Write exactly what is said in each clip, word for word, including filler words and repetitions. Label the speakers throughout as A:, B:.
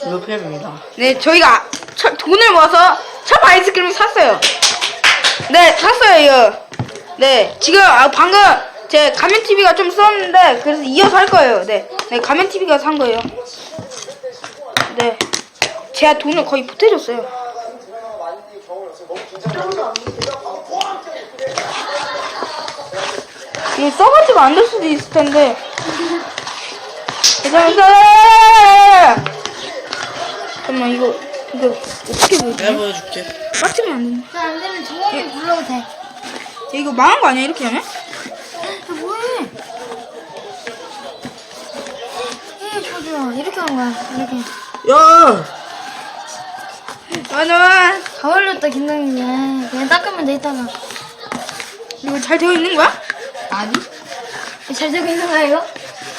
A: 루팸입니다.
B: 네, 저희가 차, 돈을 모아서 참 아이스크림을 샀어요. 네, 샀어요, 이거. 네, 지금 아, 방금 제 가면 티비가 좀 썼는데 그래서 이어서 할 거예요. 네, 네, 가면 티비가 산 거예요. 네, 제가 돈을 거의 보태줬어요. 이거 써가지고 안 될 수도 있을 텐데. 잠깐만, 잠깐만, 이거, 이거, 어떻게 보여줘?
A: 내가 보여줄게.
B: 빡치면 안 되네.
C: 안 되면 종원이 불러도 돼.
B: 야, 이거 망한 거 아니야, 이렇게 하면?
C: 야, 뭐해? 예, 저주야. 이렇게 하는 거야. 이렇게.
A: 야!
B: 아, 나,
C: 다 올렸다, 김당민이. 그냥 닦으면 돼, 이따가.
B: 이거 잘 되어 있는 거야?
C: 아니? 잘 되고 있는 거야, 이거?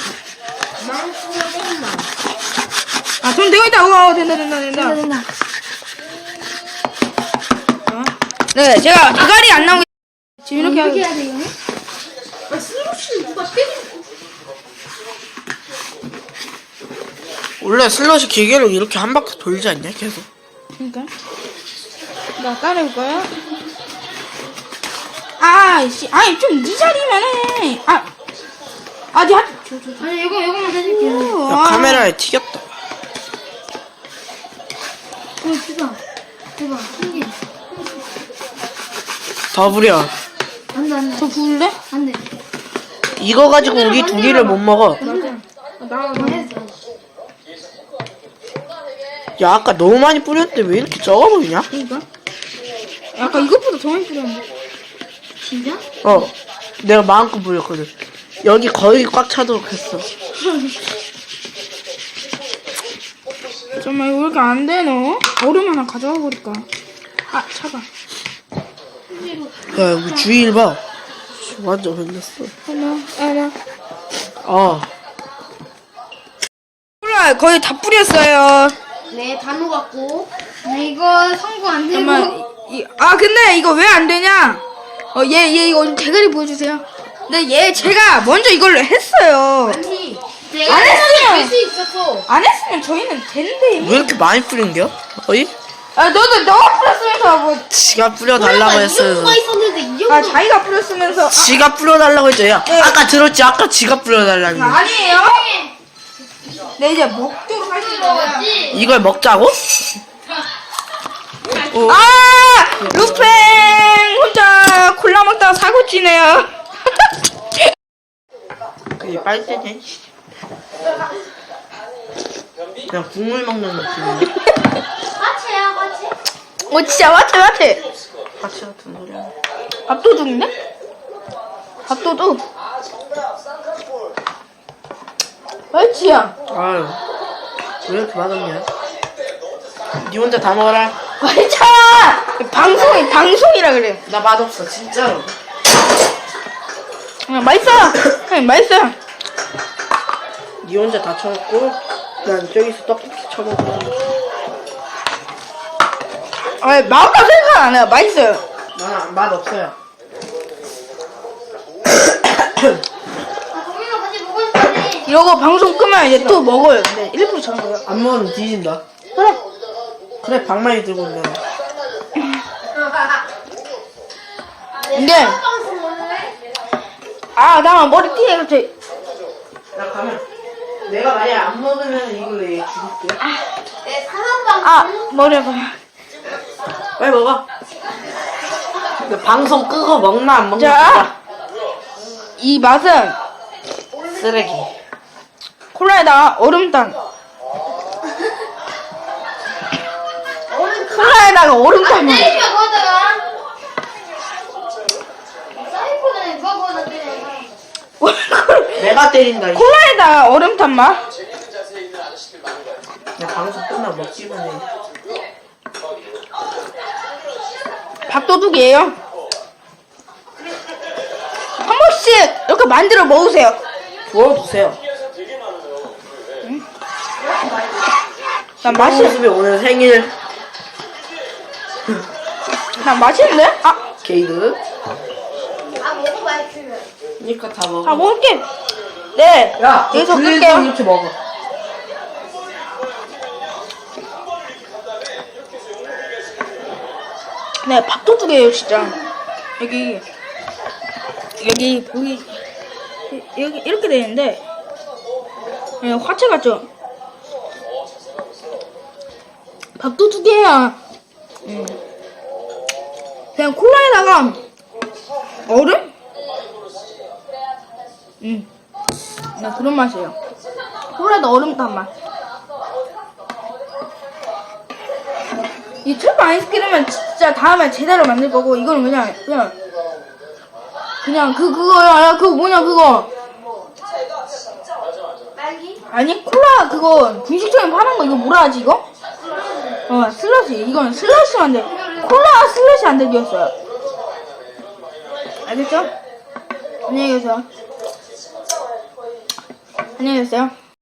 B: 아, 돈 되어 있다. 우와, 된다, 된다, 된다.
C: 된다, 된다.
B: 어? 네, 제가 대가리 안 나오게 지금 이렇게 하고.
C: 어떻게 해야 돼, 이거는?
A: 원래 슬롯이 기계로 이렇게 한 바퀴 돌지 않냐, 계속?
B: 그니까. 나 따라올 거야? 아, 씨, 아니, 좀 네 자리만 해. 아, 아, 네, 하, 저, 저, 저.
C: 아니, 이거, 이거만 해줄게요.
A: 야,
B: 아.
A: 카메라에 튀겼다.
C: 이거 주자. 대박. 신기해.
A: 더 부려.
C: 안 돼, 안 돼.
B: 저 부을래?
C: 안 돼.
A: 이거 가지고 우리 두 개를 못 먹어.
C: 나, 나 했어.
A: 야, 아까 너무 많이 뿌렸는데 왜 이렇게 적어 보이냐?
B: 그니까. 아까 이것보다 더 많이 뿌렸는데.
C: 진짜?
A: 어. 내가 마음껏 뿌렸거든. 여기 거의 꽉 차도록 했어.
B: 정말 이거 왜 이렇게 안 돼, 너? 얼음 하나 가져와 버릴까? 아, 차가.
A: 야, 여기 주위를 봐. 완전 흘렸어.
B: 하나, 하나.
A: 어.
B: 콜라 거의 다 뿌렸어요.
C: 네, 다 녹았고. 네, 이거 성공 안 되고.
B: 잠깐만. 이, 아, 근데 이거 왜 안 되냐? 어, 얘, 얘 이거 대가리 보여주세요. 근데 얘 제가 먼저 이걸로 했어요.
C: 아니,
B: 안
C: 내가
B: 했으면-
C: 할수 있었어.
B: 안 했으면 저희는 되는데.
A: 왜 이렇게 많이 뿌린겨? 어이?
B: 아, 너도 너가 뿌렸으면서 뭐.
A: 지가 뿌려달라고 했어요.
C: 이정도가 있었는데, 이 정도.
B: 아, 자기가 뿌렸으면서. 아,
A: 지가 뿌려달라고 했죠. 야,
B: 네.
A: 아까 들었지? 아까 지가 뿌려달라는 거.
B: 아니에요? 네, 이제 먹도록 하겠습니다.
A: 이걸 먹자고? 어.
B: 아! 루팽! 혼자 콜라 먹다가 사고 치네요.
A: 그게 빨대네. 그냥 국물 먹는 느낌이네.
C: 까치야, 까치?
B: 어, 진짜 맞지, 맞지?
A: 같이 같은 소리야.
B: 밥도둑인데? 밥도둑. 맞지야?
A: 아유, 왜 이렇게 맛없냐? 니 혼자 다 먹어라.
B: 맞잖아! 방송이, 방송이라 그래.
A: 나 맛없어, 진짜로.
B: 그냥 맛있어! 그냥 맛있어!
A: 니 혼자 다 쳐먹고, 난 저기서 떡볶이 쳐먹고.
B: 아, 맛없다 생각 안 해요. 맛있어요.
A: 나는 맛없어요.
C: 아, 동민아 같이 먹고 싶다네.
B: 이러고 방송 끄면 이제 또 먹어요. 근데 일부러 저런 거요.
A: 안 먹으면 뒤진다.
B: 그래.
A: 그래, 방망이 들고 온다.
B: 근데,
C: 방송 올래?
B: 아, 나 머리띠에 이렇게.
A: 나 가면, 내가 만약에 안 먹으면 이걸로 얘 죽일게.
C: 내 사람 방송.
B: 아, 머리 아파.
A: 빨리 먹어. 근데 방송 끄고 먹나 안 먹나?
B: 자, 이 맛은
A: 쓰레기.
B: 콜라에다가 얼음탕. 콜라에다가 얼음탕.
C: 때리지 마, 거기다가. 사이코네, 누가 거기다 때려.
A: 내가 때린다. 이
B: 콜라에다가 얼음탕 맛.
A: 야, 방송 끝나 먹기만 해.
B: 밥도둑이에요. 한 번씩 이렇게 만들어 먹으세요.
A: 부어주세요.
B: 난 맛이,
A: 모습이 오늘 생일.
B: 난 맛있는데? 아,
A: 게이드.
C: 아, 먹어봐야지.
A: 그니까 다
B: 다
A: 먹어.
B: 먹을게. 네.
A: 야,
B: 여기서
A: 너
B: 끌게요.
A: 이렇게 먹어.
B: 네, 밥도둑이에요, 진짜. 여기, 여기, 보기, 여기, 이렇게 되는데, 네, 화채 같죠? 밥도둑이에요. 음. 그냥 콜라에다가, 얼음? 음. 네, 그런 맛이에요. 콜라에다 얼음 탄 맛. 이 트러플 아이스크림은 진짜 다음에 제대로 만들 거고, 이거는 그냥, 그냥, 그냥 그, 그거야, 그거 뭐냐, 그거. 아니, 콜라, 그거, 분식점에 파는 거, 이거 뭐라 하지, 이거? 어, 슬러시. 이거는 슬러시 만들, 콜라 슬러시 만들기였어요. 알겠죠? 안녕히 계세요. 안녕히 계세요.